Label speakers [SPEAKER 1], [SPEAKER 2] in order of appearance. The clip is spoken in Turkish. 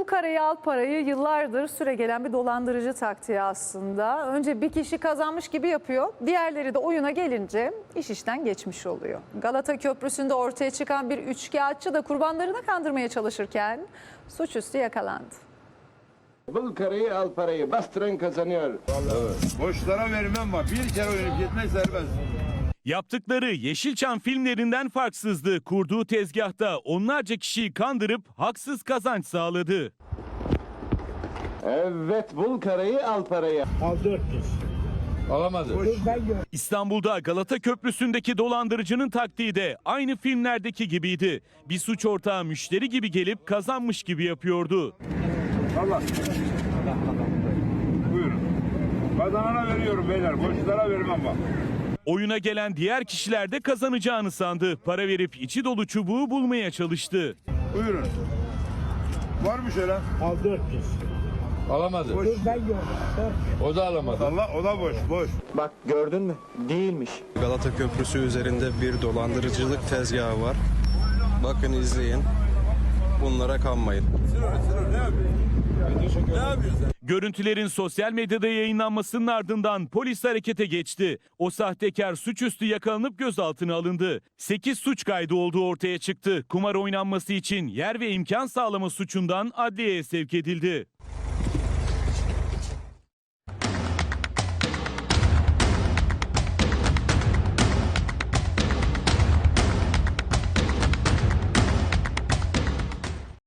[SPEAKER 1] Bul karayı al parayı yıllardır süregelen bir dolandırıcı taktiği aslında. Önce bir kişi kazanmış gibi yapıyor. Diğerleri de oyuna gelince iş işten geçmiş oluyor. Galata Köprüsü'nde ortaya çıkan bir üçkağıtçı da kurbanlarını kandırmaya çalışırken suçüstü yakalandı.
[SPEAKER 2] Bul karayı al parayı bastıran kazanıyor.
[SPEAKER 3] Evet. Boşlara vermem var. Bir kere oynayıp gitmek serbest.
[SPEAKER 4] Yaptıkları Yeşilçam filmlerinden farksızdı. Kurduğu tezgahta onlarca kişiyi kandırıp haksız kazanç sağladı.
[SPEAKER 2] Evet bul karayı al parayı.
[SPEAKER 5] Al 400.
[SPEAKER 3] Alamadı.
[SPEAKER 4] İstanbul'da Galata Köprüsü'ndeki dolandırıcının taktiği de aynı filmlerdeki gibiydi. Bir suç ortağı müşteri gibi gelip kazanmış gibi yapıyordu.
[SPEAKER 3] Allah. Buyurun. Kazanana veriyorum beyler. Boşlara vermem bak.
[SPEAKER 4] Oyuna gelen diğer kişiler de kazanacağını sandı. Para verip içi dolu çubuğu bulmaya çalıştı.
[SPEAKER 3] Buyurun. Var mı şöyle?
[SPEAKER 5] Al 400.
[SPEAKER 3] Alamadı. Boş.
[SPEAKER 5] Ben gördüm. 400.
[SPEAKER 3] O da alamadı. Allah o da boş. Boş.
[SPEAKER 2] Bak gördün mü? Değilmiş.
[SPEAKER 6] Galata Köprüsü üzerinde bir dolandırıcılık tezgahı var. Bakın izleyin. Bunlara kanmayın.
[SPEAKER 4] Görüntülerin sosyal medyada yayınlanmasının ardından polis harekete geçti. O sahtekar suçüstü yakalanıp gözaltına alındı. 8 suç kaydı olduğu ortaya çıktı. Kumar oynanması için yer ve imkan sağlama suçundan adliyeye sevk edildi.